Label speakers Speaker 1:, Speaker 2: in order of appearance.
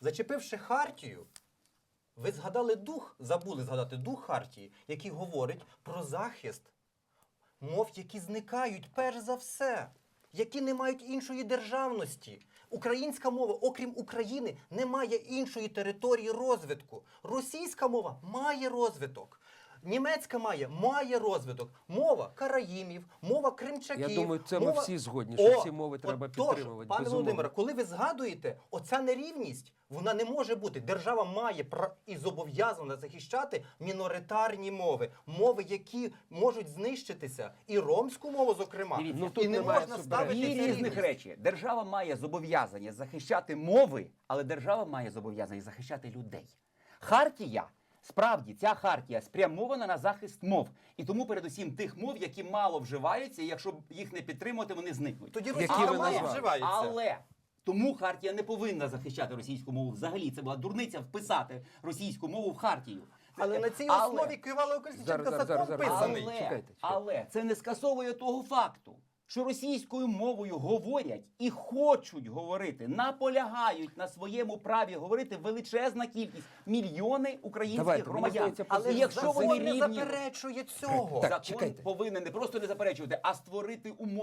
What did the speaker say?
Speaker 1: Зачепивши хартію, ви згадали забули згадати дух хартії, який говорить про захист мов, які зникають перш за все, які не мають іншої державності. Українська мова, окрім України, не має іншої території розвитку. Російська мова має розвиток. Німецька має розвиток. Мова караїмів, мова кримчаків.
Speaker 2: Я думаю, це
Speaker 1: мова...
Speaker 2: ми всі згодні, що всі мови треба підтримувати.
Speaker 1: Пане Володимире, коли ви згадуєте, оця нерівність, вона не може бути. Держава має і зобов'язана захищати міноритарні мови. Мови, які можуть знищитися. І ромську мову, зокрема.
Speaker 3: Дивіться,
Speaker 1: І не можна ставити
Speaker 3: Дві
Speaker 1: цю
Speaker 3: різних
Speaker 1: рівність.
Speaker 3: речі. Держава має зобов'язання захищати мови, але держава має зобов'язання захищати людей. Хартія, справді, ця хартія спрямована на захист мов. І тому передусім тих мов, які мало вживаються, і якщо їх не підтримувати, вони зникнуть.
Speaker 1: Тоді
Speaker 2: Які
Speaker 1: російська
Speaker 2: ви
Speaker 1: мова
Speaker 2: назвали?
Speaker 1: вживається.
Speaker 3: Але тому хартія не повинна захищати російську мову взагалі. Це була дурниця вписати російську мову в хартію.
Speaker 1: Але на цій основі Кивало-Колесніченка закон писаний.
Speaker 3: Але це не скасовує того факту, що російською мовою говорять і хочуть говорити, наполягають на своєму праві говорити величезна кількість, мільйони українських
Speaker 2: Давайте, мені
Speaker 3: громадян.
Speaker 2: здається,
Speaker 1: Але
Speaker 3: І якщо
Speaker 1: закон
Speaker 3: вони
Speaker 1: не
Speaker 3: рівні,
Speaker 1: заперечує цього.
Speaker 2: Так,
Speaker 3: закон
Speaker 2: чекайте.
Speaker 3: повинен не просто не заперечувати, а створити умови.